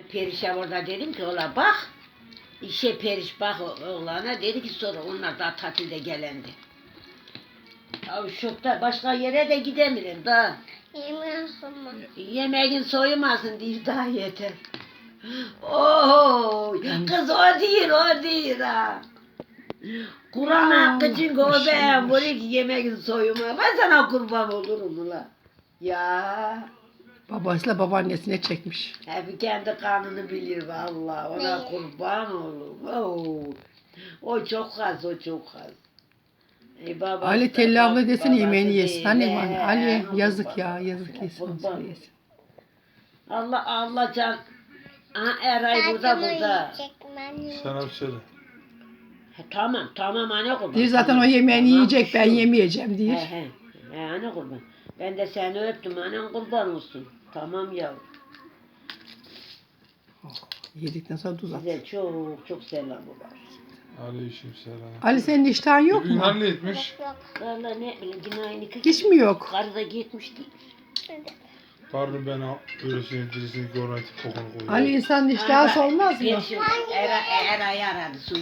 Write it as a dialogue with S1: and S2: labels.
S1: Periş'e orada dedim ki ola bak. İşe Periş bak oğlana dedi ki sonra onlar da tatilde gelendi. Ya şokta başka yere de gidemirim daha. Yemeğin soyumasın diye daha yeter. Oo, kız o değil ha. Kur'an hakkı için o ben buraya ki yemeğin soyuma. Ben sana kurban olurum ula. Ya.
S2: Babasıyla babaannesine çekmiş.
S1: Hep kendi kanını bilir vallahi. Ona kurban olurum. Oo. O çok az, o çok az. Babası
S2: Ali
S1: da
S2: Telli abla desene
S1: babası
S2: yemeğini yesin.
S1: değil,
S2: Hani
S1: he,
S2: Ali
S1: onun
S2: yazık
S1: kurban
S2: ya
S1: olsun,
S2: yazık yesin.
S1: kurban.
S2: Onu yesin.
S1: Allah can. Aha Eray burada.
S3: Sana bir söyle.
S1: Tamam anne kurban.
S2: Diyor zaten
S1: tamam,
S2: o yemeğini
S1: tamam,
S2: yiyecek ben
S1: şu.
S2: yemeyeceğim diyor.
S1: He anne kurban. Ben de seni öptüm annen kurban olsun. Tamam yavrum.
S2: Yedikten sonra tuz at.
S1: Size çok çok selam var.
S3: Aleykümselam.
S2: Ali senin iştahın yok
S3: Bugün
S2: mu?
S3: halletmiş.
S1: Valla ne bileyim cinayeni
S2: Hiç mi yok?
S1: Karı da gitmiş değil.
S3: Karnı ben öylesine dirisini görmek kokunu koyuyor.
S2: Ali insanın iştahı olmaz mı?
S1: Eray'ı aradı.